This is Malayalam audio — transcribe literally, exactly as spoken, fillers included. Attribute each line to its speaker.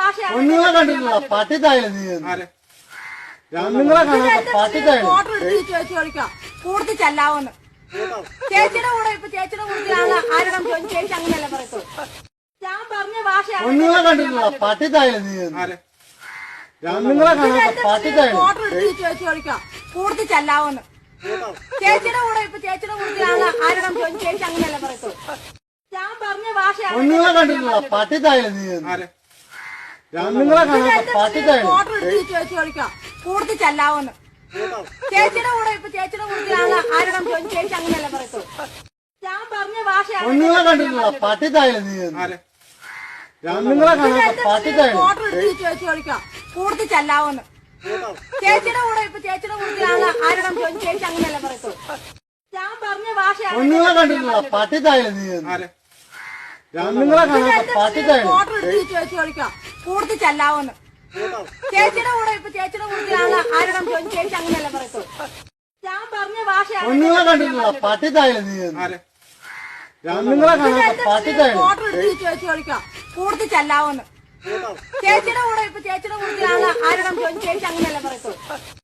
Speaker 1: ഒന്നുങ്ങളെ കണ്ടിട്ടില്ല പട്ടിത്തായില്ല നീ ഒന്നുങ്ങളെ കാണാൻ പട്ടിത്തായില്ല
Speaker 2: കൂടുതൽ ചെല്ലാവോന്ന് ചേച്ചിയുടെ കൂടെ ഇപ്പൊ ചേച്ചിയുടെ കൂടെയാണ് ആരുടെ ചോദിച്ചു ചേച്ചി അങ്ങനെയല്ല പറയത്തു ഞാൻ പറഞ്ഞ ഭാഷയാണ്
Speaker 1: ഒന്നുങ്ങളെ കണ്ടിട്ടില്ല പട്ടിത്തായില്ല നീ ഒന്നുങ്ങളെ കാണാൻ പട്ടിത്തായില്ല
Speaker 2: ചോദിക്കാം കൂടുതൽ ചെല്ലാവോന്ന് ചേച്ചിയുടെ കൂടെ ഇപ്പൊ ചേച്ചിയുടെ കൂടെയാണ് ആരുടെ ചോദിച്ചു ചേച്ചി അങ്ങനെയല്ല പറയത്തു ഞാൻ പറഞ്ഞ ഭാഷയാണ്
Speaker 1: ഒന്നുങ്ങളെ കണ്ടിട്ടില്ല പട്ടിത്തായില്ല നീ ഒന്നുങ്ങളെ കാണാൻ പട്ടിത്തായില്ല
Speaker 2: ചോദിക്കാം കൂടുതൽ ചെല്ലാവോന്ന് ചേച്ചിയുടെ കൂടെ ഇപ്പൊ ചേച്ചിയുടെ കൂടെയാണ് ആരുടെ ചോദിച്ചു ചേച്ചി അങ്ങനെയല്ല പറയത്തു ഞാൻ പറഞ്ഞ ഭാഷയാണ്
Speaker 1: ഒന്നുങ്ങളെ കണ്ടിട്ടില്ല പട്ടിത്തായില്ല നീ ഒന്നുങ്ങളെ കാണാൻ പട്ടിത്തായില്ല
Speaker 2: ചോദിക്കാം കൂടുതൽ ചെല്ലാവോന്ന് ചേച്ചിയുടെ കൂടെ ഇപ്പൊ ചേച്ചിയുടെ കൂടെയാണ് ആരുടെ ചോദിച്ചു ചേച്ചി അങ്ങനെയല്ല പറയത്തു ഞാൻ പറഞ്ഞ ഭാഷയാണ്
Speaker 1: ഒന്നുങ്ങളെ കണ്ടിട്ടില്ല പട്ടിത്തായില്ല നീ ഒന്നുങ്ങളെ കാണാൻ പട്ടിത്തായില്ല
Speaker 2: ചോദിക്കാം കൂടുതൽ ചെല്ലാവോന്ന് ചേച്ചിയുടെ കൂടെ ഇപ്പൊ ചേച്ചിയുടെ കൂടെയാണ് ആരുടെ ചോദിച്ചു ചേച്ചി അങ്ങനെയല്ല പറയത്തു ഞാൻ പറഞ്ഞ ഭാഷയാണ്
Speaker 1: ഒന്നുങ്ങളെ കണ്ടിട്ടില്ല പട്ടിത്തായില്ല നീ ഒന്നുങ്ങളെ കാണാൻ പട്ടിത്തായില്ല
Speaker 2: ചോദിക്കാം കൂടുതൽ ചെല്ലാവോന്ന് ചേച്ചിയുടെ കൂടെ ഇപ്പൊ ചേച്ചിയുടെ കൂടെയാണ് ആരുടെ ചോദിച്ചു ചേച്ചി അങ്ങനെയല്ല പറയത്തു